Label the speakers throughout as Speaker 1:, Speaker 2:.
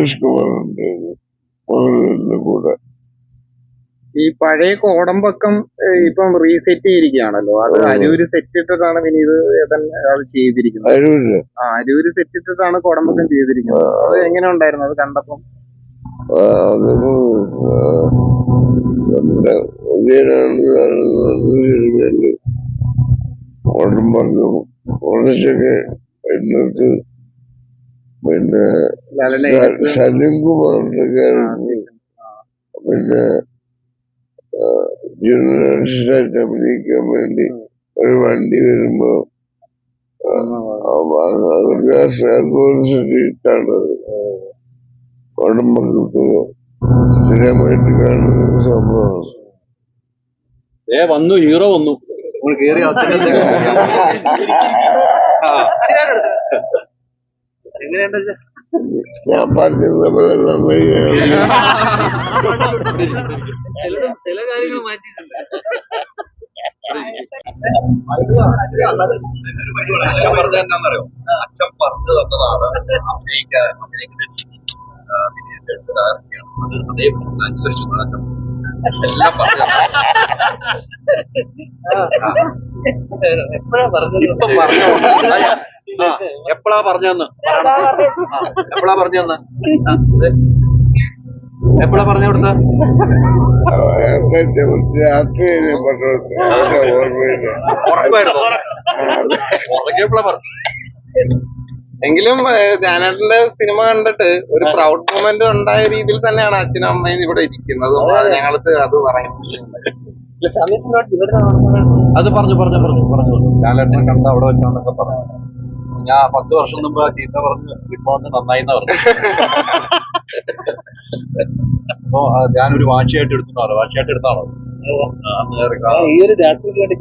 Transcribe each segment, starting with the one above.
Speaker 1: സന്തോഷ് കുമാറിന്റെ കൂടെ.
Speaker 2: ഈ പഴയ കോടമ്പക്കം ഇപ്പം റീസെറ്റ് ചെയ്തിരിക്കുകയാണല്ലോ, അത് അരൂര് സെറ്റ് ഇട്ടിട്ടാണ് വിനീത് ഏതൻ അത് ചെയ്തിരിക്കുന്നത്. അരൂര് സെറ്റ് ഇട്ടിട്ടാണ് കോടമ്പക്കം ചെയ്തിരിക്കുന്നത്. അത് എങ്ങനെ ഉണ്ടായിരുന്നു അത് കണ്ടപ്പം?
Speaker 1: നമ്മുടെ കോടമ്പക്കം കുറച്ചൊക്കെ ഇന്നത്തെ പിന്നെ സലിംകുമാറിന്റെ ക്യാരക്ടർ, പിന്നെ ജൂനിയർസിനായിട്ട് അഭിനയിക്കാൻ വേണ്ടി ഒരു വണ്ടി വരുമ്പോ ഇട്ടാണ് കോടമ്പക്കത്ത് സ്ഥിരമായിട്ട് കാണുന്ന സംഭവമാണ്.
Speaker 3: വന്നു ഹീറോ വന്നു കേറി എങ്ങനെയുണ്ട്?
Speaker 1: ഞാൻ പറഞ്ഞത് പോലെ
Speaker 3: ചില കാര്യങ്ങൾ മാറ്റിയിട്ടുണ്ട്. പറഞ്ഞ എന്താണെന്നറിയോ, അച്ഛൻ പറഞ്ഞു തന്നതാണ് അഭിനയിക്കുന്ന രീതി, അത് അതേ അനുസരിച്ച് അച്ഛൻ എല്ലാം പറഞ്ഞു. എപ്പോഴാ പറഞ്ഞെന്ന് എപ്പോഴാ പറഞ്ഞെന്ന് എപ്പോഴാ പറഞ്ഞു കൊടുത്ത?
Speaker 1: രാത്രി
Speaker 3: ഉറങ്ങിയപ്പോഴാ പറഞ്ഞു.
Speaker 2: എങ്കിലും ധ്യാനേട്ടന്റെ സിനിമ കണ്ടിട്ട് ഒരു പ്രൗഡ് മൊമെന്റ് ഉണ്ടായ രീതിയിൽ തന്നെയാണ് അച്ഛനും അമ്മയും ഇവിടെ ഇരിക്കുന്നത്. ഞങ്ങൾക്ക് അത് പറയുന്നത്
Speaker 3: അത് പറഞ്ഞു ലാലേട്ടനെ കണ്ട അവിടെ വെച്ചാന്നൊക്കെ പറഞ്ഞു. ഞാൻ 10 വർഷം മുമ്പ് ചീത്ത പറഞ്ഞ് ഇപ്പൊ നന്നായിന്ന് പറഞ്ഞു. അപ്പൊ ഞാനൊരു വാശിയായിട്ട് എടുത്താണോ? വാശിയായിട്ട് എടുത്താണോ?
Speaker 4: ഈ ഒരു രാത്രിക്ക് വേണ്ടി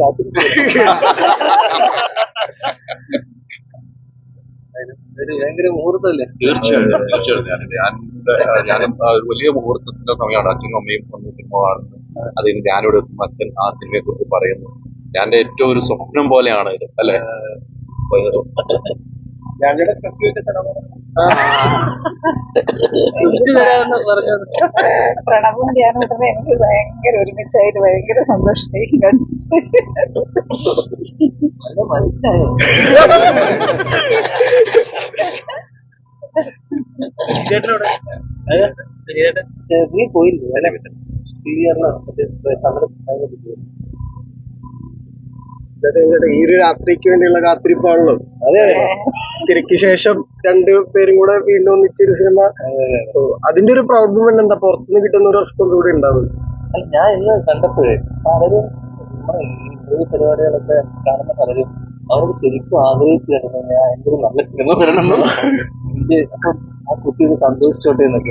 Speaker 4: ഭയങ്കര മുഹൂർത്തമല്ലേ?
Speaker 3: തീർച്ചയായിട്ടും ഞാനും ഒരു വലിയ മുഹൂർത്തത്തിന്റെ സമയമാണ്. അച്ഛനും അമ്മയും വന്ന് സിനിമ കാണുന്നത്. അതിന് ഞാനിവിടെ എത്തുന്ന അച്ഛൻ ആ സിനിമയെ കുറിച്ച് പറയുന്നു. ഞാന്റെ ഏറ്റവും ഒരു സ്വപ്നം പോലെയാണ് ഇത്, അല്ലെ?
Speaker 5: പ്രണവും ധ്യാനവും എനിക്ക് ഭയങ്കര ഒരുമിച്ചായിട്ട് ഭയങ്കര സന്തോഷമായി
Speaker 4: മനസ്സിലായോ? നീ പോയില്ലേ
Speaker 2: ഈ ഒരു രാത്രിക്ക് വേണ്ടിയുള്ള കാത്തിരിപ്പാണല്ലോ. അതെ, തിരക്ക് ശേഷം രണ്ടുപേരും കൂടെ വീണ്ടും ഒന്നിച്ചൊരു സിനിമ. സോ അതിന്റെ ഒരു പ്രൗഡ് മൊമെന്റ് എന്താ? പുറത്തുനിന്ന് കിട്ടുന്ന ഒരു റെസ്പോൺസ് കൂടി ഉണ്ടാവും.
Speaker 4: ഞാൻ ഇന്ന് കണ്ടപ്പോഴേ പലരും നമ്മുടെ ഈ പരിപാടികളൊക്കെ കാണുന്ന പലരും അവർക്ക് ശരിക്കും ആഗ്രഹിച്ചു കിടന്നു ഞാൻ എന്തൊരു നല്ല സിനിമ വരണം. അപ്പൊ ആ കുട്ടി ഇത് സന്തോഷിച്ചോട്ടെ എന്നൊക്കെ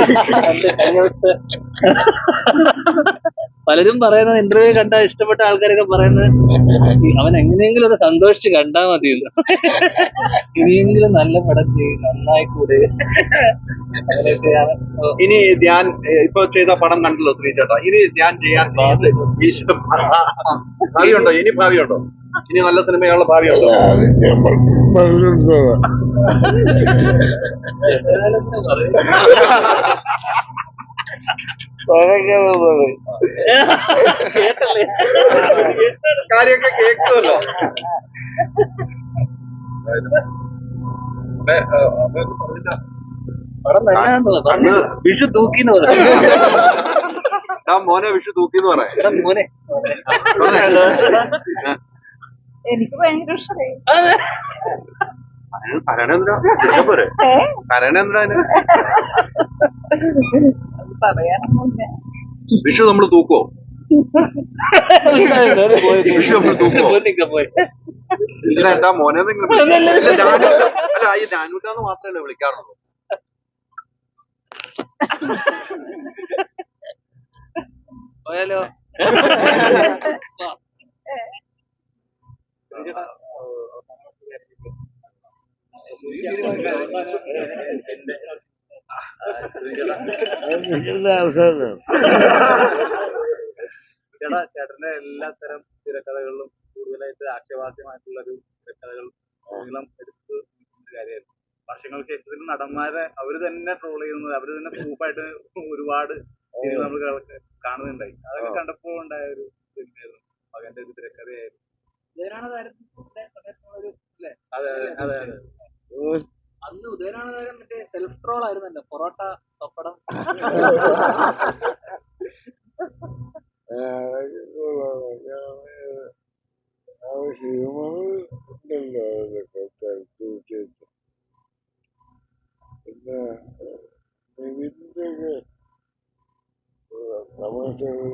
Speaker 4: പലരും പറയുന്നത്, ഇന്റർവ്യൂ കണ്ട ഇഷ്ടപ്പെട്ട ആൾക്കാരൊക്കെ പറയുന്നത് അവൻ എങ്ങനെയെങ്കിലും ഒന്ന് സന്തോഷിച്ച് കണ്ടാ മതി. ഇനിയെങ്കിലും നല്ല പടം ചെയ്യും, നന്നായിക്കൂടെ. അങ്ങനെയൊക്കെയാണ്.
Speaker 3: ഇനി ഞാൻ ഇപ്പൊ ചെയ്ത പടം കണ്ടല്ലോ ശ്രീ ചേട്ടാ, ഇനി ഞാൻ ചെയ്യാൻ ഭാവിയുണ്ടോ? ഇനി ഭാവിയുണ്ടോ? ഇനി നല്ല സിനിമയുള്ള ഭാവിയുണ്ടോ? കാര്യമൊക്കെ കേൾക്കുമല്ലോ.
Speaker 4: വിഷു തൂക്കിന്ന് പറയാം.
Speaker 3: മോനെ വിഷു തൂക്കിന്ന് പറയാം.
Speaker 4: മോനെ
Speaker 5: എനിക്ക് ഭയങ്കര ഇഷ്ടമായി.
Speaker 3: പോരെ കരണേന്ദ്ര
Speaker 5: പറയാനൊന്നുമില്ല.
Speaker 3: വിഷു നമ്മള് തൂക്കോ? വിഷു നമ്മള് തൂക്കോ? ഇല്ല എന്താ മോനെ അല്ല ഈ ജാനൂട്ടാന്ന് മാത്രമല്ലേ വിളിക്കാറുള്ളൂ.
Speaker 4: പോയാലോ?
Speaker 2: ചേട്ടന്റെ എല്ലാ തരം തിരക്കഥകളിലും കൂടുതലായിട്ട് ആക്ഷേപാസ്യമായിട്ടുള്ള ഒരു തിരക്കഥകൾ നീളം എടുത്ത് കാര്യമായിരുന്നു. വർഷങ്ങൾക്ക് ശേഷത്തിന്
Speaker 6: നടന്മാരെ അവര് തന്നെ ട്രോൾ ചെയ്യുന്നത്, അവര് തന്നെ പ്രൂഫായിട്ട് ഒരുപാട് നമ്മൾ കാണുന്നുണ്ടായി. അതൊക്കെ കണ്ടപ്പോ ഉണ്ടായ ഒരു സിനിമയായിരുന്നു മകന്റെ ഒരു തിരക്കഥയായിരുന്നു. അതെ അതെ അതെ.
Speaker 4: അന്ന് ഉദയനാണ് മറ്റേ സെൽഫ് ട്രോൾ ആയിരുന്നല്ലോ, പൊറോട്ട പപ്പടം.
Speaker 1: ഹ്യൂമർ ഉണ്ടല്ലോ അതൊക്കെ തീർച്ചയായിട്ടും. പിന്നെ നിവിന്റെ ഒക്കെ തമാശകൾ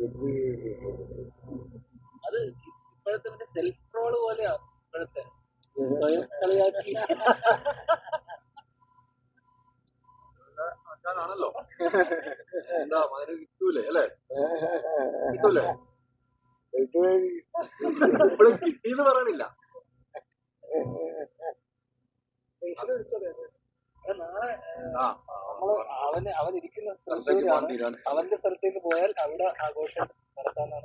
Speaker 4: അത് ഇപ്പോഴത്തെ മറ്റേ സെൽഫ് ട്രോള് പോലെയാ ഇപ്പോഴത്തെ, സ്വയം കളിയാക്കി.
Speaker 3: ആണല്ലോ എന്താ മകന് കിട്ടൂലേ അല്ലേ? കിട്ടൂലേ? ഇപ്പോഴും കിട്ടിയെന്ന് പറയണില്ല.
Speaker 4: നാളെ നമ്മള് അവനിരിക്കുന്ന സ്ഥലത്തേക്കാണ്, അവന്റെ സ്ഥലത്തേക്ക് പോയാൽ അവിടെ ആഘോഷം നടത്താനാണ്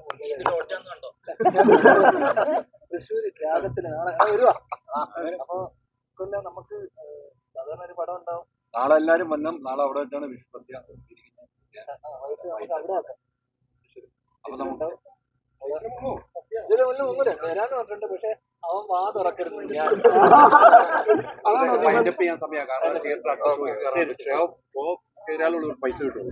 Speaker 4: തൃശ്ശൂര് ത്യാഗത്തിന് നാളെ വരുവാ. അപ്പൊ പിന്നെ നമുക്ക് സാധാരണ ഒരു പടം ഉണ്ടാവും.
Speaker 3: നാളെ എല്ലാരും വന്നം. നാളെ അവിടെ വെച്ചാണ് വിഷ്പത്യ
Speaker 4: നമുക്ക് അവിടെ ആക്കാം.
Speaker 3: അപ്പൊ നമുക്ക്
Speaker 4: ഇതിന് മുന്നിൽ ഒന്നുമില്ല വരാന്ന് പറഞ്ഞിട്ടുണ്ട്, പക്ഷെ അവൻ വാ തുറക്കരുത്. ഞാൻ
Speaker 3: വൈൻഡപ്പ് ചെയ്യാൻ സമയമാണ്. കാരണം തിയേറ്റർ പൈസ കിട്ടും.